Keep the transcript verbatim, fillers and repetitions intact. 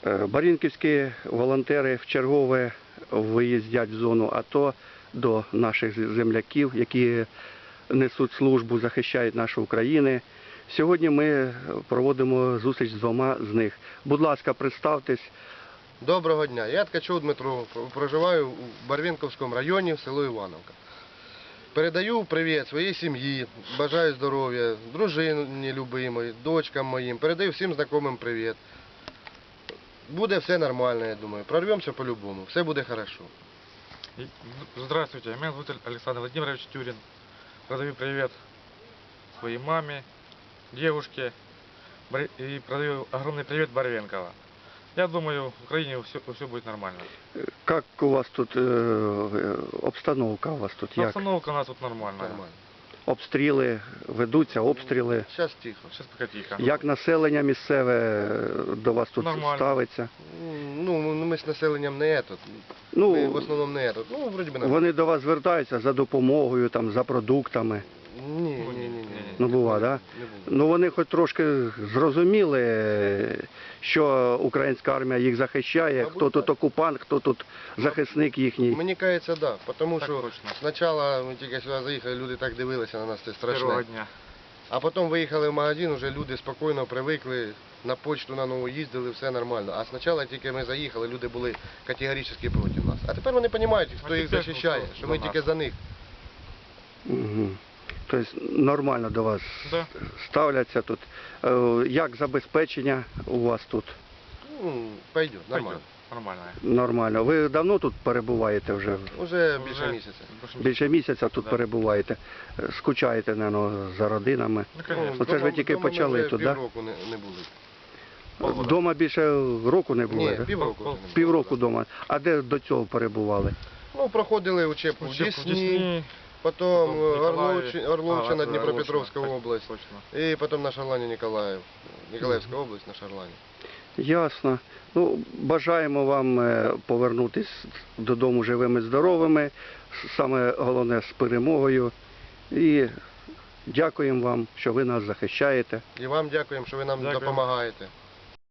Барвінківські волонтери вчергове виїздять в зону АТО до наших земляків, які несуть службу, захищають нашу Україну. Сьогодні ми проводимо зустріч з двома з них. Будь ласка, представтесь. Доброго дня. Я Ткачов Дмитро, проживаю у Барвінківському районі, село Івановка. Передаю привіт своїй сім'ї, бажаю здоров'я, дружині любимої, дочкам моїм. Передаю всім знайомим привіт. Буде все нормально, я думаю. Прорвемося по-любому, все буде хорошо. Здравствуйте, меня зовут Александр Владимирович Тюрин. Продаю привет своей маме, девушке и продаю огромный привет Барвенково. Я думаю, в Украине все, все будет нормально. Как у вас тут э, обстановка у вас тут? Як? Обстановка у нас тут нормальная. Нормально. Обстріли ведуться, обстріли. Зараз тихо. Сейчас пока тихо. Як населення місцеве до вас тут Нормально. ставиться? Ну, ми з населенням не етот. Ну, Ми в основному не етот. Ну, вроді би нормально. вони до вас звертаються за допомогою, там, за продуктами. Ні, ні, ні, ні. Ну, бува, да? Не було. Ну, вони хоч трошки зрозуміли, що українська армія їх захищає, Мабуть, хто тут так. окупант, хто тут захисник їхній. Мені кажеться, так. Да, тому Так що точно. спочатку ми тільки сюди заїхали, люди так дивилися на нас, це Первого страшне. дня. А потім виїхали в магазин, вже люди спокійно привикли, на почту на нову їздили, все нормально. А спочатку тільки ми заїхали, люди були категорично проти нас. А тепер вони розуміють, хто А їх тепер захищає, хто що ми за тільки нас. за них. Угу. Тобто нормально до вас Да. ставляться тут. Е, Як забезпечення у вас тут? Ну, пойде, нормально. Пойдет. Нормально. Нормально. Ви давно тут перебуваєте вже? Уже більше Уже місяця. больше Більше місяця тут Да. перебуваєте. Е, Скучаєте, мабуть, за родинами. Ну, конечно. Ну, це ж ви тільки Дома почали ми вже тут, да? півроку не, не були. Полгода. Дома більше року не було? Ні, да? півроку. Пол- вже не було, Півроку да. дома. А де до цього перебували? Ну, проходили учебку в Учебку в Десні, Десні, потім потім в Ніколаєві. Орловчина, Орловчина, А, Дніпропетровська Орловщина, область. точно. І потім на Шарлані Ніколаїв. Ніколаївська область на Шарлані. Ясно. Ну, бажаємо вам е, повернутися додому живими, здоровими, саме головне з перемогою. І дякуємо вам, що ви нас захищаєте. І вам дякуємо, що ви нам Дякую. допомагаєте.